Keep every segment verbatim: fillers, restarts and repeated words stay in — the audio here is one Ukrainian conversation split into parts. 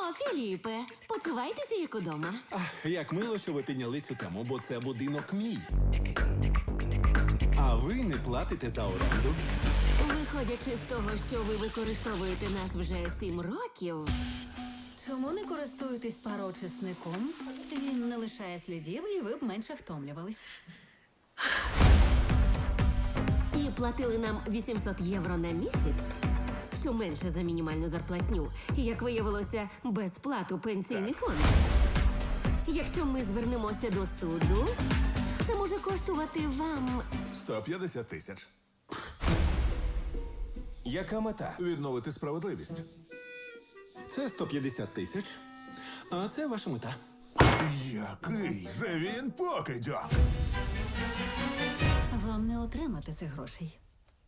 О, Філіпе, почувайтеся як удома. Ах, як мило, що ви підняли цю тему, бо це будинок мій. А ви не платите за оренду. Виходячи з того, що ви використовуєте нас вже сім років, Чому не користуєтесь пароочисником? Він не лишає слідів, і ви б менше втомлювались. і платили нам вісімсот євро на місяць, що менше за мінімальну зарплатню, і, як виявилося, безплату пенсійний фонд. Якщо ми звернемося до суду, це може коштувати вам сто п'ятдесят тисяч. Яка мета? Відновити справедливість. Це сто п'ятдесят тисяч, а це ваша мета. Який же він покидьок! Вам не отримати цих грошей.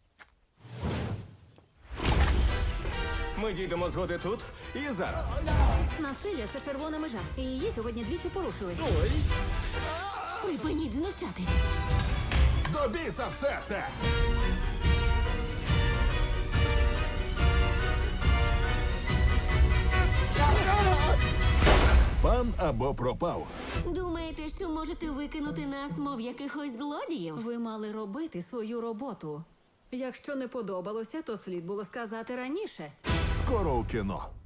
Ми дійдемо згоди тут і зараз. Насилля – це червона межа, і її сьогодні двічі порушили. Ой. припиніть знущатись. До біса все це! Пан або пропав. Думаєте, що можете викинути нас, мов якихось злодіїв? Ви мали робити свою роботу. Якщо не подобалося, то слід було сказати раніше. Скоро у кіно.